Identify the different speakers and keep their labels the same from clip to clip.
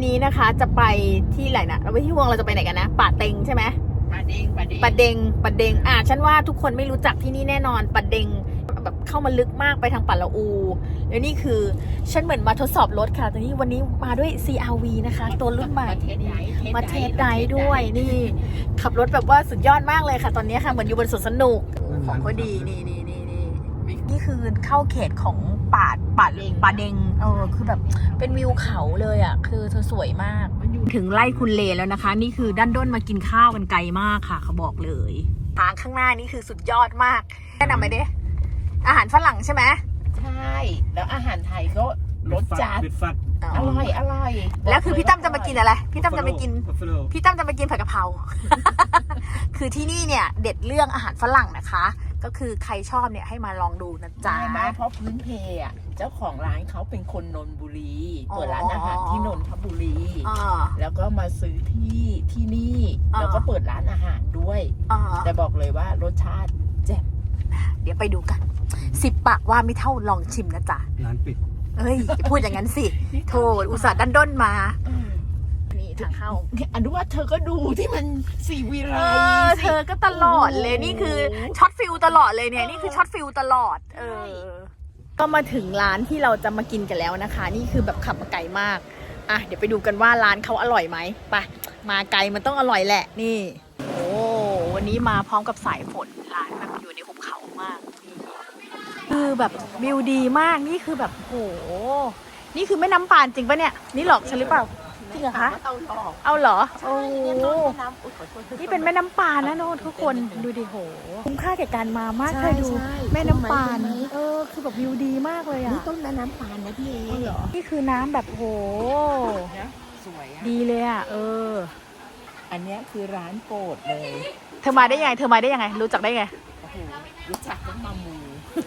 Speaker 1: นี้นะคะจะไปที่ไหนนะเราไปที่วงเราจะไปไหนกันนะป่าเต็งใช่ไหมป่าเด็งฉันว่าทุกคนไม่รู้จักที่นี่แน่นอนป่าเด็งแบบเข้ามาลึกมากไปทางป่าละอูแล้วนี่คือฉันเหมือนมาทดสอบรถค่ะตอนนี้วันนี้มาด้วย CR-V นะคะตัวรุ่นใหม่มาเทสไดร์ด้วยนี่ขับรถแบบว่าสุดยอดมากเลยค่ะตอนนี้ค่ะเหมือนอยู่บนสวนสนุกของก็ดีนี่คือเข้าเขตของป่าเด็งคือแบบเป็นวิวเขาเลยอ่ะคือเธอสวยมากถึงไร่คุณเลแล้วนะคะนี่คือด้านด้นมากินข้าวกันไกลมากค่ะเขาบอกเลยทางข้างหน้านี่คือสุดยอดมากแนะนำไปดิอาหารฝรั่งใช่ไหม
Speaker 2: ใช่แล้วอาหารไทยก็รสจัดอร่อย
Speaker 1: แล้วคือพี่ตั้มจะมากินอะไรพี่ตั้มจะมากินผัดกะเพรา คือที่นี่เนี่ยเด็ดเรื่องอาหารฝรั่งนะคะก็คือใครชอบเนี่ยให้มาลองดูนะจ๊ะ
Speaker 2: ไม่เพราะพื้นเพอ่ะเจ้าของร้านเขาเป็นคนนนทบุรีเปิดร้านอาหารที่นนทบุรีแล้วก็มาซื้อที่นี่แล้วก็เปิดร้านอาหารด้วยแต่บอกเลยว่ารสชาติแจ่ม
Speaker 1: เดี๋ยวไปดูกัน10 ปากว่าไม่เท่าลองชิมนะจ๊ะ
Speaker 3: ร้านปิด
Speaker 1: เอ้ยพูดอย่างนั้นสิโธ่อุตส่าห์ดันด้นมานี่ทางเข้า
Speaker 2: อันนี้ว่าเธอก็ดูที่มันสีวิไล
Speaker 1: เธอก็ตลอดเลยนี่คือช็อตฟิลตลอดเลยเนี่ยนี่คือช็อตฟิลตลอดก็มาถึงร้านที่เราจะมากินกันแล้วนะคะนี่คือแบบขับมาไกลมากอ่ะเดี๋ยวไปดูกันว่าร้านเขาอร่อยไหมไปมาไกลมันต้องอร่อยแหละนี่โอ้วันนี้มาพร้อมกับสายฝนร้านแบบอยู่ในหุบเขามากคือแบบวิวดีมากนี่คือแบบโหนี่คือแม่น้ำปานจริงปะเนี่ยนี่หลอกฉันหรือเปล่าจริงเหรอคะเอาเหรอโอ้นี่เป็นแม่น้ำปานนะโน้ตทุกคนดูดิโหคุ้มค่าแก่การมามากเคยดูแม่น้ำปานคือแบบวิวดีมากเลยอ่ะ
Speaker 2: นี่ต้นแม่น้ำปานนะพี่
Speaker 1: เหรอนี่คือน้ำแบบโห
Speaker 2: สวย
Speaker 1: ดีเลยอ่ะ
Speaker 2: อันนี้คือร้านโปรดเลย
Speaker 1: เธอมาได้ยังไงรู้จักได้ไง
Speaker 2: รู้จักต้องมามู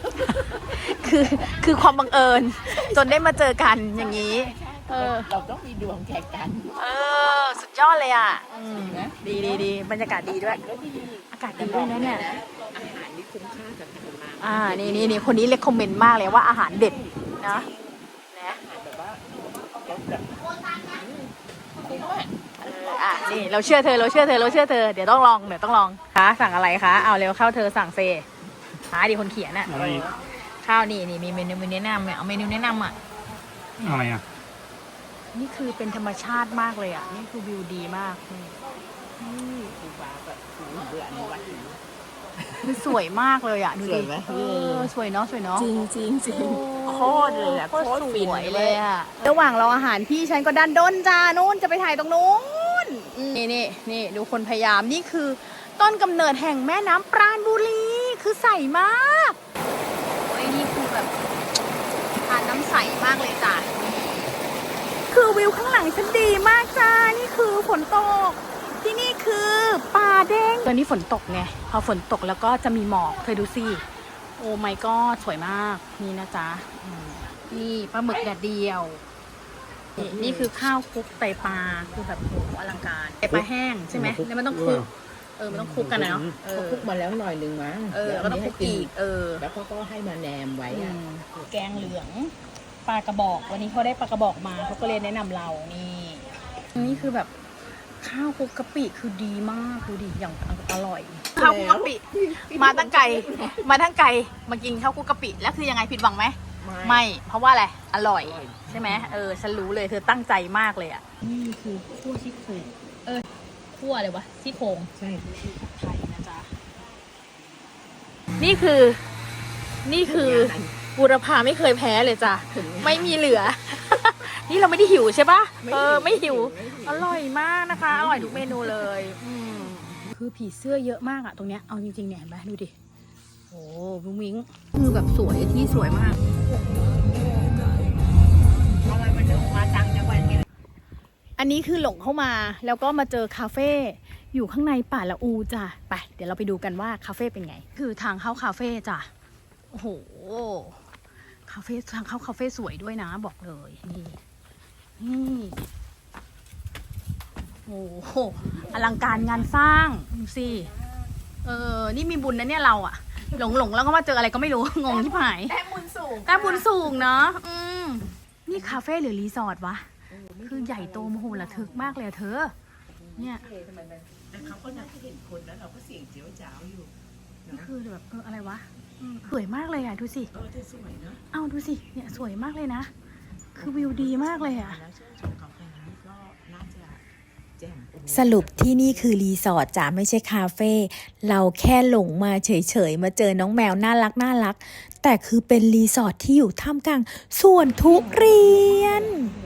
Speaker 1: คือความบังเอิญจนได้มาเจอกันอย่างนี้
Speaker 2: เราต้องมีดวงแข่งกัน
Speaker 1: สุดยอดเลยอ่ะดีบรรยากาศดีด้วยอากาศดีด้วยนะเนี่ย
Speaker 2: อาหารนี่คุ้มค่ากับการมา
Speaker 1: นี่คนนี้เรคคอมเมนต์มากเลยว่าอาหารเด็ดนะ
Speaker 2: แบบว่า
Speaker 1: นี่เราเชื่อเธอเดี๋ยวต้องลองคะสั่งอะไรคะเอาเร็วเข้าเธอสั่งเซดิคนเขียนน่ะข้าวนี่มีเมนูแนะนำเอาเมนูแนะนำ
Speaker 3: อะไรอ่ะ
Speaker 1: นี่คือเป็นธรรมชาติมากเลยอ่ะนี่คือวิวดีมาก
Speaker 2: คูบาแบบเบื่อในวัด
Speaker 1: คือสวยมากเลยอ่ะดูดิสวยเนาะ
Speaker 2: จริงโคตรเลยอ่ะโคตร
Speaker 1: สวยเลยอ่ะระหว่างรออาหารพี่ฉันก็ดันด้นจ้านู้นจะไปถ่ายตรงนู้นนี่ดูคนพยายามนี่คือต้นกำเนิดแห่งแม่น้ำปราณบุรีคือใสมากโอ้ยนี่คือแบบทานน้ำใสมากเลยจ้ะคือวิวข้างหลังฉันดีมากจ้านี่คือฝนตกที่นี่คือป่าเด้งตอนนี้ฝนตกไงพอฝนตกแล้วก็จะมีหมอกเธอดูสิโอ้ my god สวยมากนี่นะจ๊ะนี่ปลาหมึกแดดเดียวนี่คือข้าวคลุกไตปลาคือแบบโหอลังการไตปลาแห้งใช่ไหมแล้วมันต้องคลุกมันต้องคลุกกันนะเนาะ
Speaker 2: คลุกมาแล้วหน่อยนึงมั้ง
Speaker 1: แล้วก็ต้องคลุกอีก
Speaker 2: แล้วก็ให้มาแนมไว้
Speaker 1: แกงเหลืองปลากระบอกวันนี้เขาได้ปลากระบอกมาเขาก็เลยแนะนำเรานี่คือแบบข้าวคลุกกะปิคือดีมากดูดิอย่างอร่อยข้าวคลุกกะปิมาตั้งไกลมากินข้าวคลุกกะปิแล้วคือยังไงผิดหวังไหมไม่เพราะว่าอะไรอร่อยใช่ไหมฉันรู้เลยเธอตั้งใจมากเลยอ่ะนี่คือคั่วซี่โครงคั่วอะไรวะซี่โครง
Speaker 2: ใช่
Speaker 1: ไทยนะจ๊ะนี่คือบูรพาไม่เคยแพ้เลยจ้ะไม่มีเหลือนี่เราไม่ได้หิวใช่ปะไม่หิวอร่อยมากนะคะอร่อยทุกเมนูเลยคือผีเสื้อเยอะมากอะตรงเนี้ยเอาจริงๆเนี่ยเห็นไหมดูดิโอ้วิ้งวิ้งคือแบบสวยที่สวยมากอันนี้คือหลงเข้ามาแล้วก็มาเจอคาเฟ่อยู่ข้างในป่าละอูจ้ะไปเดี๋ยวเราไปดูกันว่าคาเฟ่เป็นไงคือทางเข้าคาเฟ่จ้ะโอ้โหคาเฟ่ทางเข้าคาเฟ่สวยด้วยนะบอกเลยนี่โอ้โหอลังการงานสร้างดูสินี่มีบุญนะเนี่ยเราอะหลงแล้วก็มาเจออะไรก็ไม่รู้งงที่หายแต้มบุญสูงเนาะนี่คาเฟ่หรือรีสอร์ทวะคือใหญ่โตมโหฬารทึกมากเลยอะเธอ เนี่ย
Speaker 2: แต่เขาก็น่าจะเห็นคนแล้วเราก็เสียงเจียวจ้าวอยู่
Speaker 1: นี่คือแบบอะไรวะสวยมากเลยอ่ะดูสิ
Speaker 2: จะสวยเนาะ
Speaker 1: เอาดูสิเนี่ยสวยมากเลยนะ คือวิวดีมากเลยอ่ะ
Speaker 2: แล้วชื่นชมกาแฟนี้ก็น่าจะแจ่ม
Speaker 3: สรุปที่นี่คือรีสอร์ทจ้ะไม่ใช่คาเฟ่เราแค่หลงมาเฉยๆมาเจอน้องแมวน่ารักแต่คือเป็นรีสอร์ทที่อยู่ท่ามกลางสวนทุเรียน